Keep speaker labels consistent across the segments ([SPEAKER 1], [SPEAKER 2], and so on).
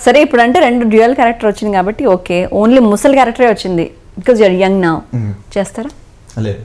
[SPEAKER 1] సరే ఇప్పుడు అంటే 2 డ్యూయల్ క్యారెక్టర్ వచ్చింది కాబట్టి ఓకే, ఓన్లీ ముసలి క్యారెక్టరే వచ్చింది బికాజ్ యూఆర్ యంగ్ నౌ, చేస్తారా?
[SPEAKER 2] లేదు,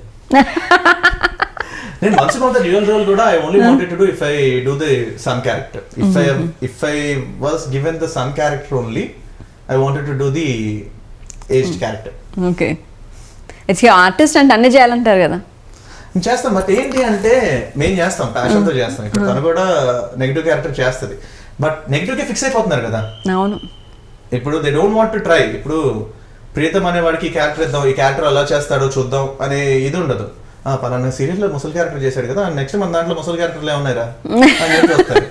[SPEAKER 2] నేను once about the dual role కూడా I only wanted to do if I do the son character. If I was given the son character only I wanted to do the aged character.
[SPEAKER 1] Okay, it's artist అంటే అన్ని చేయాలంటారు కదా.
[SPEAKER 2] చేస్తాం, but ఏంటి అంటే మేము చేస్తాం, ప్యాషన్ తో చేస్తాం. ఇప్పుడు తను కూడా నెగిటివ్ క్యారెక్టర్ చేస్తుంది, బట్ నెగిటివ్ కి ఫిక్స్ అయిపోతున్నారు కదా.
[SPEAKER 1] అవును,
[SPEAKER 2] ఇప్పుడు they don't want to try. ఇప్పుడు ప్రీతం అనే వాడికి ఈ క్యారెక్టర్ ఇద్దాం, ఈ క్యారెక్టర్ అలా చేస్తాడో చూద్దాం అనే ఇది ఉండదు. పలానా సీరియల్ లో ముసలి క్యారెక్టర్ చేశాడు కదా, నెక్స్ట్ మన దాంట్లో ముసలి క్యారెక్టర్లు ఏమన్నారా అని చెప్పి వస్తారు.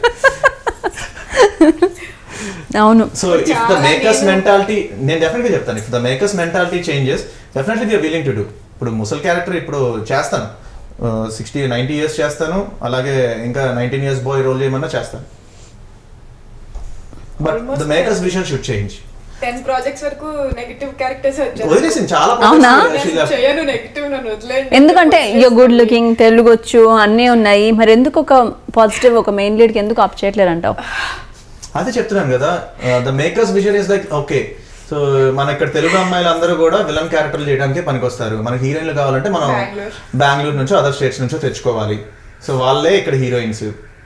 [SPEAKER 1] అవును.
[SPEAKER 2] So if the makers mentality, నేను డెఫినెట్ గా చెప్తాను, if the makers mentality changes definitely they are willing to do. ఇప్పుడు ముసలి క్యారెక్టర్ ఇప్పుడు చేస్తాను, 60-90 years చేస్తాను, అలాగే ఇంకా 19 years బాయ్ రోల్ చేయమన్నా చేస్తాను. But the makers vision should change.
[SPEAKER 3] 10 projects వరకు నెగటివ్ క్యారెక్టర్స్ వచ్చాయి.
[SPEAKER 2] వదిలేసింది చాలా
[SPEAKER 1] అవునా?
[SPEAKER 3] చేయను నెగటివ్, నన్ను వదిలేండి.
[SPEAKER 1] ఎందుకంటే యూ గుడ్ లుకింగ్, తెలుగు వచ్చు, అన్నీ ఉన్నాయి, మరి ఎందుకు ఒక పాజిటివ్ ఒక మెయిన్ లీడ్ కి ఎందుకు అప్ చేయట్లేదు అంటావు?
[SPEAKER 2] అదే చెప్తున్నాను కదా, the makers vision is like okay, so మన ఇక్కడ తెలుగు అమ్మాయిలు అందరూ కూడా విలన్ క్యారెక్టర్లు చేయడానికి పనికొస్తారు. మనకి హీరోయిన్లు కావాలంటే మనం బెంగళూరు నుంచో అదర్ స్టేట్స్ నుంచో తెచ్చుకోవాలి. సో వాళ్ళే ఇక్కడ హీరోయిన్స్.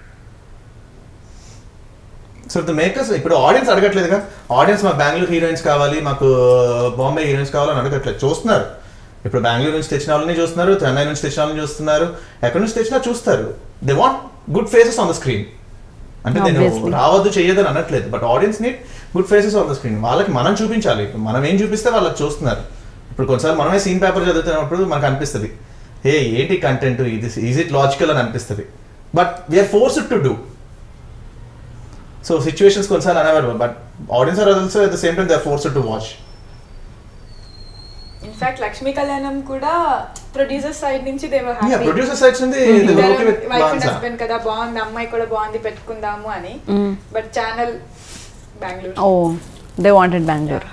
[SPEAKER 2] సో ద మేకర్స్ ఇప్పుడు ఆడియన్స్ అడగట్లేదుగా, ఆడియన్స్ మాకు బెంగళూరు హీరోయిన్స్ కావాలి, మాకు బాంబే హీరోయిన్స్ కావాలని అడగట్లేదు, చూస్తున్నారు. ఇప్పుడు బెంగళూరు నుంచి తెచ్చిన వాళ్ళని చూస్తున్నారు, చెన్నై నుంచి తెచ్చిన వాళ్ళని చూస్తున్నారు, ఎక్కడి నుంచి తెచ్చినా చూస్తారు. They want good faces on the screen. అంటే నేను రావద్దు చెయ్యదని అనట్లేదు, but audience need good faces on the screen. వాళ్ళకి మనం చూపించాలి, మనం ఏం చూపిస్తే వాళ్ళకి చూస్తున్నారు. ఇప్పుడు కొన్నిసార్లు మనమే సీన్ పేపర్ చదువుతున్నప్పుడు మనకు అనిపిస్తుంది, హే ఏంటి కంటెంట్ ఇది, ఈజ్ ఇట్ లాజికల్ అని అనిపిస్తుంది, but we are forced to do. So situations కొన్నిసార్లు అనేవారు, but audience are also at the same time they are forced to watch.
[SPEAKER 3] In fact Lakshmi Kalyanam కూడా ప్రొడ్యూసర్ సైడ్ నుంచి
[SPEAKER 2] ప్రొడ్యూసర్ సైడ్ నుంచి
[SPEAKER 3] వైఫ్ అండ్ హస్బెండ్ కదా, బాగుంది, అమ్మాయి కూడా బాగుంది, పెట్టుకుందాము అని. But channel Bengaluru,
[SPEAKER 1] oh they wanted Bengaluru.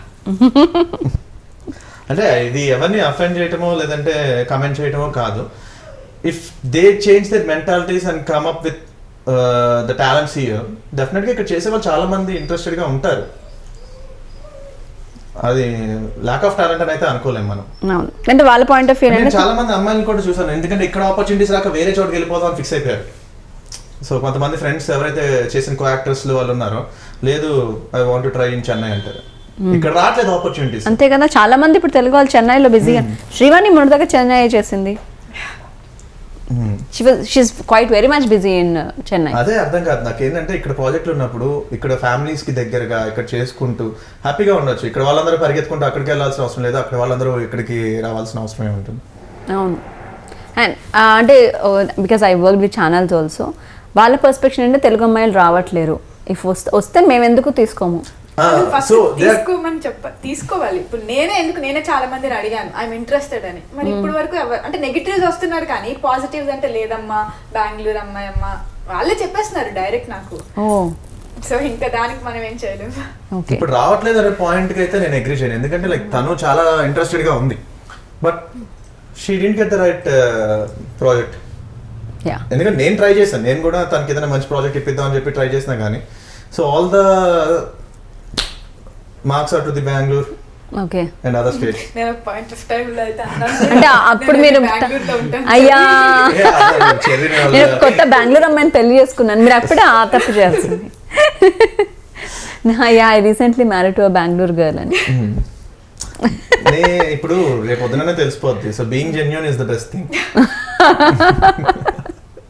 [SPEAKER 2] అంటే ఇది ఎవరిని అఫెండ్ చేయటమో లేదంటే కమెంట్ చేయటమో కాదు. If they change their mentalities and come up with the talents here, definite గా ఇక్కడ చేసే వాళ్ళు చాలా మంది ఇంట్రెస్టెడ్ గా ఉంటారు. అది ల్యాక్ ఆఫ్ టాలెంట్ అని అయితే అనుకోలేము మనం.
[SPEAKER 1] అంటే వాళ్ళ పాయింట్ ఆఫ్ వ్యూ,
[SPEAKER 2] నేను చాలా మంది అమ్మాయిని కూడా చూసాను, ఎందుకంటే ఇక్కడ ఆపర్చునిటీస్ రాక వేరే చోటుకి వెళ్ళిపోదాం ఫిక్స్ అయిపోయారు. సో కొంతమంది ఫ్రెండ్స్ ఎవరైతే చేసిన కో యాక్టర్స్ వాళ్ళు ఉన్నారో, లేదు I want to try in Chennai అంటారు, ఇక్కడ రావట్లేదు ఆపర్చునిటీస్.
[SPEAKER 1] అంతే కదా, చాలా మంది ఇప్పుడు తెలుగు వాళ్ళు చెన్నైలో బిజీగా. శ్రీవాణి మొదటగా చెన్నై చేసింది, she is quite very much busy in Chennai.
[SPEAKER 2] అదే అర్థం కాదు నాకు ఏంటంటే, ఇక్కడ ప్రాజెక్టులు ఉన్నప్పుడు ఇక్కడ ఫ్యామిలీస్ కి దగ్గరగా ఇక్కడ చేసుకుంటూ హ్యాపీగా ఉండొచ్చు. ఇక్కడ వాళ్ళందరూ పరిగెత్తుకుంటూ అక్కడికి వెళ్ళాల్సిన అవసరం లేదు, అక్కడ వాళ్ళందరూ ఇక్కడికి రావాల్సిన అవసరం ఏముంటుంది.
[SPEAKER 1] అవును, అండ్ అంటే because I work with channels also, వాళ్ళ పర్స్పెక్షన్ అంటే తెలుగు అమ్మాయిలు రావట్లేరు, ఇఫ్ వస్తే మేము ఎందుకు తీసుకోము,
[SPEAKER 3] తీసుకోవాలి. ఇప్పుడు నేనే చాలా మందిని అడిగాను ఐఎమ్ ఇంట్రెస్టెడ్ అని, మరి ఇప్పుడు వరకు అంటే నెగిటివ్స్ వస్తున్నారు కానీ పాజిటివ్స్ అంటే లేదమ్మా బెంగళూరు అమ్మాయి అమ్మా వాళ్ళే చెప్పేస్తున్నారు డైరెక్ట్ నాకు. సో ఇంకా దానికి మనం ఏం చేయలేము.
[SPEAKER 2] ఇప్పుడు రావట్లేదు అనే పాయింట్ కి అయితే నేను అగ్రీ చేయను, ఎందుకంటే లైక్ తను చాలా ఇంట్రెస్టెడ్ గా ఉంది, but she didn't get the right project. ఎందుకంటే నేను ట్రై చేశాను, నేను కూడా తనకి ఏదైనా మంచి ప్రాజెక్ట్ ఇప్పిద్దాం అని చెప్పి ట్రై చేసినా కానీ, so all the marks are to the Bengaluru and other states.
[SPEAKER 3] నేను పాయింట్ ఆఫ్ టైం లో అయితే
[SPEAKER 1] అంటే అప్పుడు మీరు అయ్యా నేను కొత్త బెంగళూరు అమ్మాయిని పెళ్లి చేసుకున్నాను, మీరు అప్పుడే ఆ తప్పు చేయాల్సింది. అయ్యా I recently married to a Bengaluru girl అని.
[SPEAKER 2] ఇప్పుడు రేపు పొద్దుననే తెలిసిపోద్ది. So being genuine is the best thing.